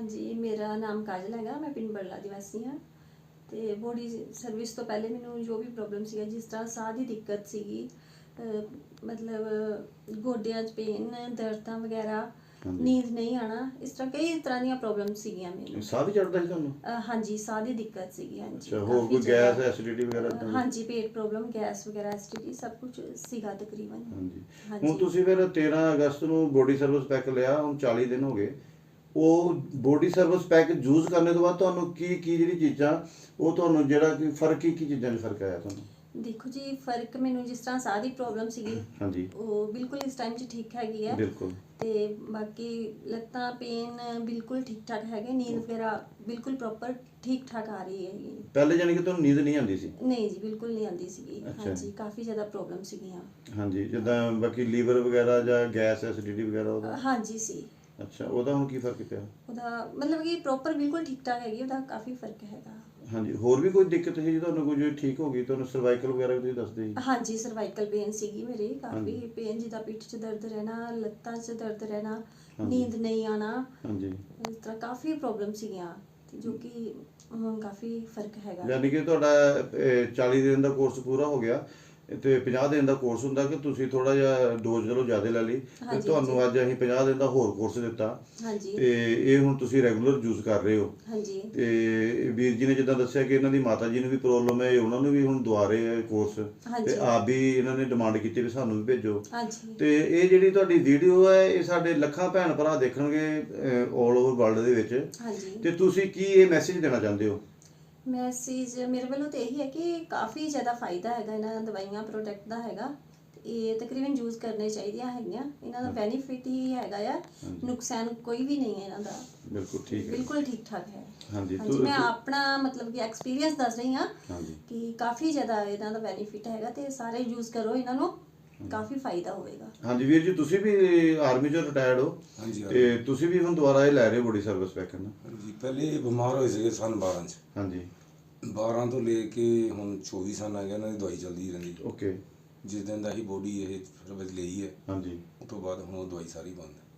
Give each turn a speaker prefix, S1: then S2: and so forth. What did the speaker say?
S1: जी, मेरा नाम काजल हैगा, मैं पिंड बड़ला ਦੀ ਵਾਸੀ ਹਾਂ। ਤੇ ਬੋਡੀ ਸਰਵਿਸ ਤੋਂ ਪਹਿਲੇ ਮੈਨੂੰ ਜੋ ਵੀ ਪ੍ਰੋਬਲਮ ਸੀਗਾ, ਜਿਸ ਤਰ੍ਹਾਂ ਸਾਹ ਦੀ ਦਿੱਕਤ ਸੀਗੀ, ਮਤਲਬ ਗੋਡਿਆਂ 'ਚ ਪੇਨ, ਦਰਦਾਂ ਵਗੈਰਾ, ਨੀਂਦ ਨਹੀਂ ਆਣਾ, ਇਸ ਤਰ੍ਹਾਂ ਕਈ ਤਰ੍ਹਾਂ ਦੀਆਂ ਪ੍ਰੋਬਲਮ ਸੀਗੀਆਂ ਮੈਨੂੰ।
S2: ਸਾਹ ਵੀ ਚੜਦਾ ਸੀ ਤੁਹਾਨੂੰ?
S1: ਹਾਂਜੀ, ਸਾਹ ਦੀ ਦਿੱਕਤ ਸੀਗੀ। ਹਾਂਜੀ,
S2: ਅੱਛਾ, ਹੋਰ ਕੋਈ ਗੈਸ ਐਸਿਡਿਟੀ ਵਗੈਰਾ?
S1: ਹਾਂਜੀ, ਪੇਟ ਪ੍ਰੋਬਲਮ, ਗੈਸ ਵਗੈਰਾ, ਐਸਿਡਿਟੀ ਸਭ ਕੁਝ ਸੀਗਾ ਤਕਰੀਬਨ।
S2: ਹਾਂਜੀ, ਹੁਣ ਤੁਸੀਂ ਫਿਰ 13 ਅਗਸਤ ਨੂੰ ਬੋਡੀ ਸਰਵਿਸ ਪੈਕ ਲਿਆ, ਹੁਣ 40 ਦਿਨ ਹੋ ਗਏ। ਉਹ ਬੋਡੀ ਸਰਵਿਸ ਪੈਕ ਯੂਜ਼ ਕਰਨੇ ਤੋਂ ਬਾਅਦ ਤੁਹਾਨੂੰ ਕੀ ਜਿਹੜੀ ਚੀਜ਼ਾਂ, ਉਹ ਤੁਹਾਨੂੰ ਜਿਹੜਾ ਕਿ ਫਰਕ ਕੀ ਚੀਜ਼ਾਂ 'ਚ ਫਰਕ ਆਇਆ ਤੁਹਾਨੂੰ?
S1: ਦੇਖੋ ਜੀ, ਫਰਕ ਮੈਨੂੰ ਜਿਸ ਤਰ੍ਹਾਂ ਸਾਹ ਦੀ ਪ੍ਰੋਬਲਮ ਸੀਗੀ,
S2: ਹਾਂਜੀ,
S1: ਉਹ ਬਿਲਕੁਲ ਇਸ ਟਾਈਮ 'ਚ ਠੀਕ ਹੈਗੀ ਹੈ।
S2: ਬਿਲਕੁਲ।
S1: ਤੇ ਬਾਕੀ ਲੱਤਾਂ ਪੇਨ ਬਿਲਕੁਲ ਠੀਕ ਠਾਕ ਹੈਗੇ, ਨੀਂਦ ਵਗੈਰਾ ਬਿਲਕੁਲ ਪ੍ਰੋਪਰ ਠੀਕ ਠਾਕ ਆ ਰਹੀ ਹੈਗੀ।
S2: ਪਹਿਲੇ ਜਾਨੀ ਕਿ ਤੁਹਾਨੂੰ ਨੀਂਦ ਨਹੀਂ ਆਉਂਦੀ ਸੀ?
S1: ਨਹੀਂ ਜੀ, ਬਿਲਕੁਲ ਨਹੀਂ ਆਉਂਦੀ ਸੀਗੀ। ਹਾਂਜੀ, ਕਾਫੀ ਜ਼ਿਆਦਾ ਪ੍ਰੋਬਲਮ ਸੀਗੀਆਂ।
S2: ਹਾਂਜੀ, ਜਿੱਦਾਂ ਬਾਕੀ ਲੀਵਰ ਵਗੈਰਾ ਜਾਂ ਗੈਸ ਐਸਿਡਿਟੀ ਵਗੈਰਾ ਉਹਦਾ?
S1: ਹਾਂਜੀ ਸੀ।
S2: ਅੱਛਾ, ਉਹਦਾ ਹੁਣ ਕੀ ਫਰਕ ਪਿਆ?
S1: ਉਹਦਾ ਮਤਲਬ ਕਿ ਪ੍ਰੋਪਰ ਬਿਲਕੁਲ ਠੀਕ ਠਾਕ ਹੈਗੀ, ਉਹਦਾ ਕਾਫੀ ਫਰਕ ਹੈਗਾ।
S2: ਹਾਂਜੀ, ਹੋਰ ਵੀ ਕੋਈ ਦਿੱਕਤ ਸੀ ਤੁਹਾਨੂੰ ਕੋਈ ਠੀਕ ਹੋ ਗਈ? ਤੁਹਾਨੂੰ ਸਰਵਾਈਕਲ ਵਗੈਰਾ ਵੀ ਤੁਸੀਂ ਦੱਸਦੇ ਸੀ?
S1: ਹਾਂਜੀ, ਸਰਵਾਈਕਲ ਪੇਨ ਸੀਗੀ ਮੇਰੀ, ਕਾਫੀ ਪੇਨ, ਜਿੱਦਾਂ ਪਿੱਠ 'ਚ ਦਰਦ ਰਹਿਣਾ, ਲੱਤਾਂ 'ਚ ਦਰਦ ਰਹਿਣਾ, ਨੀਂਦ ਨਹੀਂ ਆਣਾ। ਹਾਂਜੀ, ਇਸ ਤਰ੍ਹਾਂ ਕਾਫੀ ਪ੍ਰੋਬਲਮ ਸੀਗੀਆਂ, ਜੋ ਕਿ ਹੁਣ ਕਾਫੀ ਫਰਕ ਹੈਗਾ।
S2: ਯਾਨੀ ਕਿ ਤੁਹਾਡਾ 40 ਦਿਨ ਦਾ ਕੋਰਸ ਪੂਰਾ ਹੋ ਗਿਆ ਤੇ 50 ਦਿਨ ਦਾ ਕੋਰਸ ਹੁੰਦਾ ਕਿ ਤੁਸੀਂ ਥੋੜਾ ਜਿਹਾ ਡੋਜ਼ ਚਲੋ ਜ਼ਿਆਦਾ ਲੈ ਲਈ ਤੇ ਤੁਹਾਨੂੰ ਅੱਜ ਅਸੀਂ 50 ਦਿਨ ਦਾ ਹੋਰ ਕੋਰਸ ਦਿੱਤਾ।
S1: ਹਾਂਜੀ,
S2: ਤੇ ਇਹ ਹੁਣ ਤੁਸੀਂ ਰੈਗੂਲਰ ਯੂਜ਼ ਕਰ ਰਹੇ ਹੋ।
S1: ਹਾਂਜੀ,
S2: ਤੇ ਵੀਰ ਜੀ ਨੇ ਜਿੱਦਾਂ ਦੱਸਿਆ ਕਿ ਇਹਨਾਂ ਦੀ ਮਾਤਾ ਜੀ ਨੂੰ ਵੀ ਪ੍ਰੋਬਲਮ ਹੈ, ਉਹਨਾਂ ਨੂੰ ਵੀ ਹੁਣ ਦਵਾ ਰਹੇ ਆ ਕੋਰਸ, ਤੇ ਆਪ ਵੀ ਇਹਨਾਂ ਨੇ ਡਿਮਾਂਡ ਕੀਤੀ ਵੀ ਸਾਨੂੰ ਵੀ ਭੇਜੋ।
S1: ਹਾਂਜੀ,
S2: ਤੇ ਇਹ ਜਿਹੜੀ ਤੁਹਾਡੀ ਵੀਡੀਓ ਹੈ, ਇਹ ਸਾਡੇ ਲੱਖਾਂ ਭੈਣ ਭਰਾ ਦੇਖਣਗੇ ਆਲ ਓਵਰ ਵਰਲਡ ਦੇ ਵਿੱਚ।
S1: ਹਾਂਜੀ,
S2: ਤੇ ਤੁਸੀਂ ਕੀ ਇਹ ਮੈਸੇਜ ਦੇਣਾ ਚਾਹੁੰਦੇ ਹੋ?
S1: ਮੈਸੇਜ ਮੇਰੇ ਵੱਲੋਂ ਤਾਂ ਇਹੀ ਹੈ ਕਿ ਕਾਫੀ ਜ਼ਿਆਦਾ ਫਾਇਦਾ ਹੈਗਾ ਇਹਨਾਂ ਦਵਾਈਆਂ ਪ੍ਰੋਡਕਟ ਦਾ ਹੈਗਾ। ਇਹ ਤਕਰੀਬਨ ਯੂਜ਼ ਕਰਨੇ ਚਾਹੀਦੀਆਂ ਹੈਗੀਆਂ, ਇਹਨਾਂ ਦਾ ਬੈਨੀਫਿਟ ਹੀ ਹੈਗਾ ਆ, ਨੁਕਸਾਨ ਕੋਈ ਵੀ ਨਹੀਂ ਹੈ ਇਹਨਾਂ ਦਾ।
S2: ਬਿਲਕੁਲ ਠੀਕ ਹੈ,
S1: ਬਿਲਕੁਲ ਠੀਕ ਠਾਕ ਹੈ।
S2: ਹਾਂਜੀ,
S1: ਮੈਂ ਆਪਣਾ ਮਤਲਬ ਕਿ ਐਕਸਪੀਰੀਅੰਸ ਦੱਸ ਰਹੀ ਹਾਂ ਕਿ ਕਾਫੀ ਜ਼ਿਆਦਾ ਇਹਨਾਂ ਦਾ ਬੈਨੀਫਿਟ ਹੈਗਾ, ਤੇ ਸਾਰੇ ਯੂਜ਼ ਕਰੋ ਇਹਨਾਂ ਨੂੰ, ਕਾਫੀ ਫਾਇਦਾ ਹੋਵੇਗਾ। ਹਾਂਜੀ
S2: ਵੀਰ ਜੀ, ਤੁਸੀਂ ਵੀ ਆਰਮੀ ਚੋਂ ਰਿਟਾਇਰਡ ਹੋ?
S3: ਹਾਂਜੀ,
S2: ਤੇ ਤੁਸੀਂ ਵੀ ਹੁਣ ਦੁਬਾਰਾ ਇਹ ਲੈ ਰਹੇ ਹੋ ਬੋਡੀ ਸਰਵਿਸ ਪੈਕ ਨਾ?
S3: ਹਾਂਜੀ, ਪਹਿਲੇ ਬਿਮਾਰ ਹੋਏ ਸੀਗੇ ਸਨ 12 ਚ।
S2: ਹਾਂਜੀ,
S3: 12 ਤੋਂ ਲੈ ਕੇ ਹੁਣ 24 ਸਾਲ ਆ ਗਿਆ, ਇਹਨਾਂ ਦੀ ਦਵਾਈ ਚੱਲਦੀ ਰਹਿੰਦੀ।
S2: ਓਕੇ।
S3: ਜਿਸ ਦਿਨ ਦਾ ਹੀ ਬੋਡੀ ਇਹ ਸਰਵਿਸ ਲਈ ਹੈ,
S2: ਹਾਂਜੀ,
S3: ਉਸ ਤੋਂ ਬਾਅਦ ਹੁਣ ਉਹ ਦਵਾਈ ਸਾਰੀ ਬੰਦ ਹੈ।